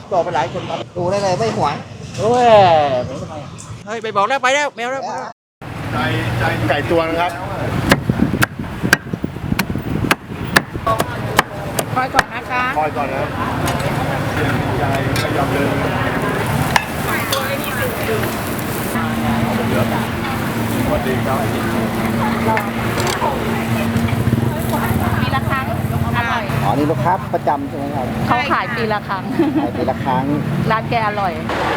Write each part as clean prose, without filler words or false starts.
บอกไปหลายคนครับดูได้เลยไม่หวงโอ้ยผมทำไมเฮ้ยไปบอกแล้วไปแล้วแมวแล้วไก่ตัวนะครับคอยก่อนนะคะคอยก่อนนะครับใจไม่ยอมเดินสวัสดีครับปีละครั้งอร่อยอ๋อนี่ลูกค้าประจำใช่ไหมครับเขาขายปีละครั้งขายปีละครั้งร้านแกอร่อย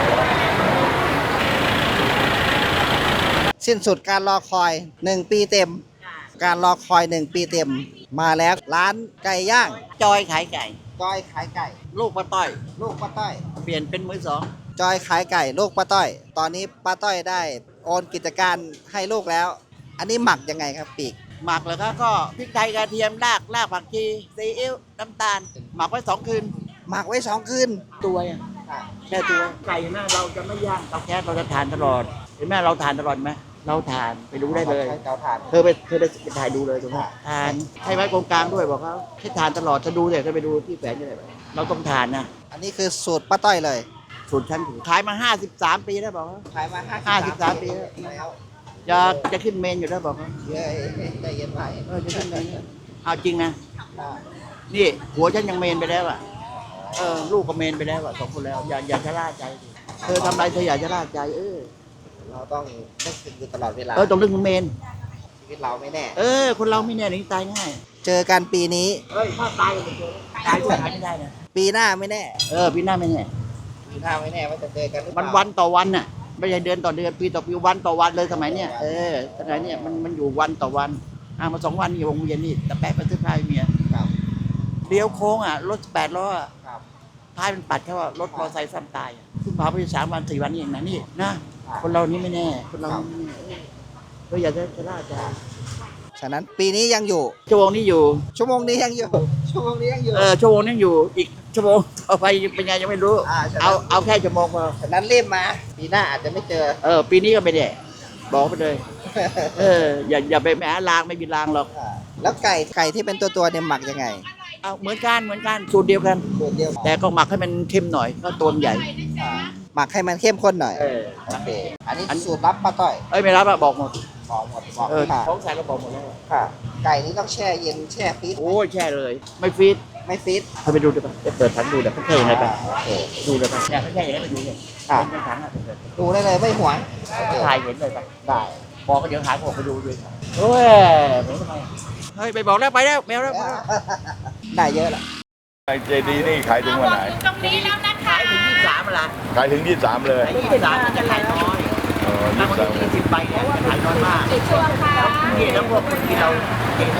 สิ้นสุดการรอคอย1 ปีเต็ม การรอคอย1 ปีเต็ม มาแล้วร้านไก่ย่างจอยขายไก่จอยขายไก่ลูกป้าต้อยลูกป้าต้อยเปลี่ยนเป็นมือสองจอยขายไก่ลูกป้าต้อย ตอนนี้ป้าต้อยได้โอนกิจการให้ลูกแล้ว อันนี้หมักยังไงครับปีกหมักเหรอครับก็พริกไทยกระเทียมรากผักชีซีอิ๊วน้ำตาล หมักไว้2 คืนหมักไว้2 คืนตัวอ่ะแค่ตัวไก่นะเราจะไม่ย่างเตาแก๊สเราจะทานตลอดเห็นไหมเราทานตลอดไหมเราทานไปดูได้เลยใช้เตาถ่านเธอไปถ่ายดูเลยถูกไหมทานให้ไว้กองกลางด้วยบอกเขาให้ทานตลอดจะดูเลยก็ไปดูที่แฝงยังไงเราต้องทานนะอันนี้คือสูตรป้าต้อยเลยสูตรชั้นถูกขายมา53 ปีแล้วบอกเขาขายมา 53 ปีแล้วจะขึ้นเมนอยู่แล้วบอกเขาเยอะใจเย็นไปจะขึ้นเมนเอาจริงนะนี่หัวฉันยังเมนไปแล้วอ่ะลูกก็เมนไปแล้วอ่ะ2 คนแล้วอย่าชะล่าใจดิเธอทำอะไรเธออย่าชะล่าใจเราต้องนึกถึงอยู่ตลอดเวลาต้องนึกถึงเมนชีวิตเราไม่แน่คนเราไม่แน่หนีตายง่ายเจอกันปีนี้ถ้าตายก็ไม่เจอตายไม่ได้นะปีหน้าไม่แน่พี่หน้าไม่แน่ปีหน้าไม่แน่ว่าจะเจอกันหรือเปมันล่าวันต่อวันน่ะไม่ใช่เดือนต่อเดือนปีต่อปีวันต่อวันเลยสมัยเนี้ยสมัยเนี้ยมันอยู่วันต่อวันมา2 วันนี่วงเวียนนี่แต่แป๊ะไปซื้อผ้าให้เมียครับเลี้ยวโค้งรถ8 ล้อครับท้ายมันปัดเขาว่ารถมอเตอร์ไซค์ซ้ำตายขึ้นเผาไป3 วัน 4 วันนี่เองนะนี่นะคนเรานี่ไม่แน่คนเรานี่ไม่แน่ก็อย่าจะล่าใจฉะนั้นปีนี้ยังอยู่ชั่วโมงนี้อยู่ชั่วโมงนี้ยังอยู่ ชั่วโมงนี้ยังอยู่ชั่วโมงนี้อยู่อีกชั่วโมงต่อไปเป็นไงยังไม่รู้ใช่เอาแค่ชั่วโมงพอฉะนั้นรีบมา ปีหน้าอาจจะไม่เจอปีนี้ก็ไม่ได้บอกไปเลยอย่าไปแหมลางไม่มีลางหรอกแล้วไก่ที่เป็นตัวเนี่ยหมักยังไงเอาเหมือนกันสูตรเดียวกันตัวเดียวแต่ก็หมักให้มันเข้มหน่อยก็ตัวมันใหญ่หมักให้มันเข้มข้นหน่อยเออโอเคอันนี้สูตรลับป้าต้อยไม่รับอะบอกหมดบอกหมดบอกค่ะของใส่เราบอกหมดแล้วค่ะ ไก่นี้ต้องแช่เย็นแช่ฟรีซโอ้ยแช่เลย ไม่ฟีดไม่ฟรีซเธอไปดูดิป่ะเปิดถังดูเดี๋ยวเขาแช่ยังไงป่ะโอเคดูเลยป่ะเนี่ยเขาแช่ยังไงไปดูเลยค่ะเป็นถังอะเปิดดูได้เลยไม่หวงโอเคถ่ายเห็นเลยป่ะได้บอกก็เดี๋ยวหาผมไปดูด้วยโอ้ยผมทำไมเฮ้ยไปบอกแล้วไปแล้วแมวแล้วได้เยอะละไก่เจดีนี่ขายถึงวันไหนตรงนี้แล้วนะคะขายถึง23ละขายถึง23เลยขาย23มันจะขายน้อย ถ้าคนที่20ใบเนี่ยจะขายน้อยมากช่วงค่ะนี่แล้วพวกคนที่เราเก่งนะ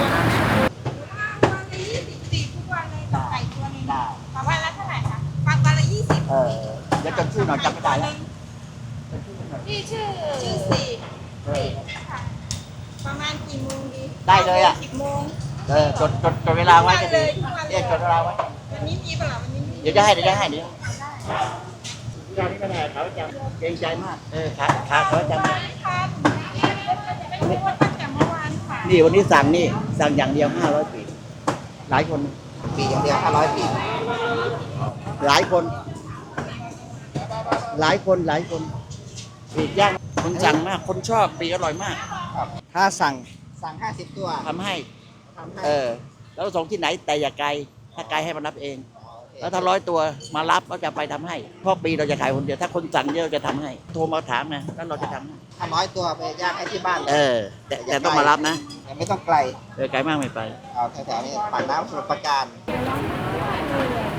ทุกวันเลยไก่ตัวนึงวันละเท่าไหร่คะวันละ20 เดี๋ยวจำชื่อหน่อยจำไม่ได้แล้วนี่ชื่อสี่ค่ะประมาณกี่โมงดีได้เลยอ่ะ 10 โมงจดเวลาไว้ก็ดีเรียกจดเวลาไว้วันนี้มีเปล่าวันนี้มีเดี๋ยวจะให้เดี๋ยวนี่ไม่ได้เขาจะเกรงใจมากขาเขาจะค่ะไม่รู้ว่าตั้งแต่เมื่อวานค่ะนี่วันนี้สั่งอย่างเดียว500 ปีหลายคนปีอย่างเดียว500 ปีหลายคนปีกย่างคนสั่งมากคนชอบปีอร่อยมากถ้าสั่ง50 ตัวทำให้ทำให้แล้วส่งที่ไหนแต่อย่าไกลถ้าไกลให้มารับเองโอเคแล้วถ้า100 ตัวมารับก็จะไปทำให้เพราะปีเราจะขายคนเดียวถ้าคนสั่งเยอะจะทำให้โทรมาถามนะแล้วเราจะทำให้ถ้า100 ตัวไปย่างให้ที่บ้านเลยแต่ต้องมารับนะยังไม่ต้องไกลไกลมากไม่ไปเอาแถวๆนี้ปากน้ำสมุทรปราการ